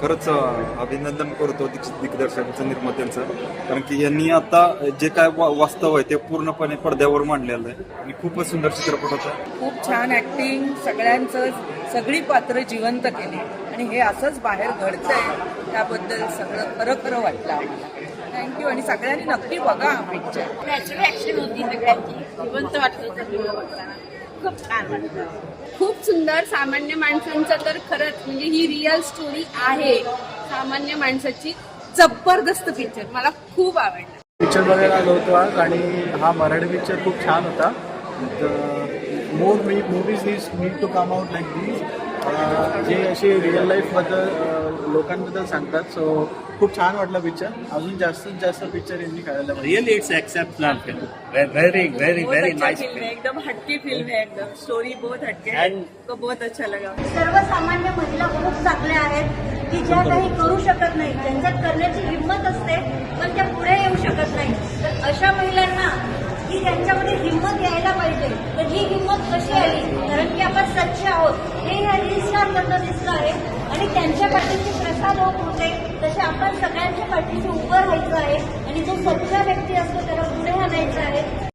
खरंच अभिनंदन करतो दिग्दर्शकांचं, निर्मात्यांचं. कारण की यांनी आता जे काय वास्तव आहे ते पूर्णपणे पडद्यावर मांडलेलं आहे आणि खूपच सुंदर चित्रपट होता. खूप छान ऍक्टिंग, सगळी पात्र जिवंत केली आणि हे असंच बाहेर घडतंय त्याबद्दल सगळं खरं खरं वाटलं आम्हाला. थँक्यू. आणि सगळ्यांनी नक्की बघा हा पिक्चर. नॅचरल ऍक्शन होती सगळ्यांची, जिवंत वाटत होतं सगळं बघताना. खूप छान वाटलं. खूप सुंदर. सामान्य माणसांचं तर खरंच म्हणजे ही रिअल स्टोरी आहे सामान्य माणसाची. जबरदस्त पिक्चर, मला खूप आवडला. पिक्चर बघायला आलो होतो आज आणि हा मराठी पिक्चर खूप छान होता. More movies need to come out like these, जे असे रिअल लाईफबद्दल लोकांबद्दल सांगतात. सो खूप छान वाटलं पिक्चर. अजून जास्तीत जास्त पिक्चर यांनी करायला पाहिजे. Really, it's exceptional film. Very, very, very nice film. एकदम हटके फिल्म है, एकदम स्टोरी बहुत हटके है. तो बहुत अच्छा लगा. सर्वसामान्य महिला खूप चांगल्या आहेत की ज्या काही करू शकत नाही, ज्यांच्यात करण्याची हिंमत असते पण त्या पुढे येऊ शकत नाही. तर अशा महिलांना की त्यांच्यामध्ये हिंमत यायला पाहिजे. तर ही हिंमत कशी आली? कारण की आपण सच्चे आहोत हे ह्या रील्सवर मधनं दिसलं आहे आणि त्यांच्या पाठीशी प्रसाद होत होते. तसे आपण सगळ्यांच्या पाठीशी उभं राहायचं आहे आणि जो सच्चा व्यक्ती असतो त्याला पुढे आणायचं आहे.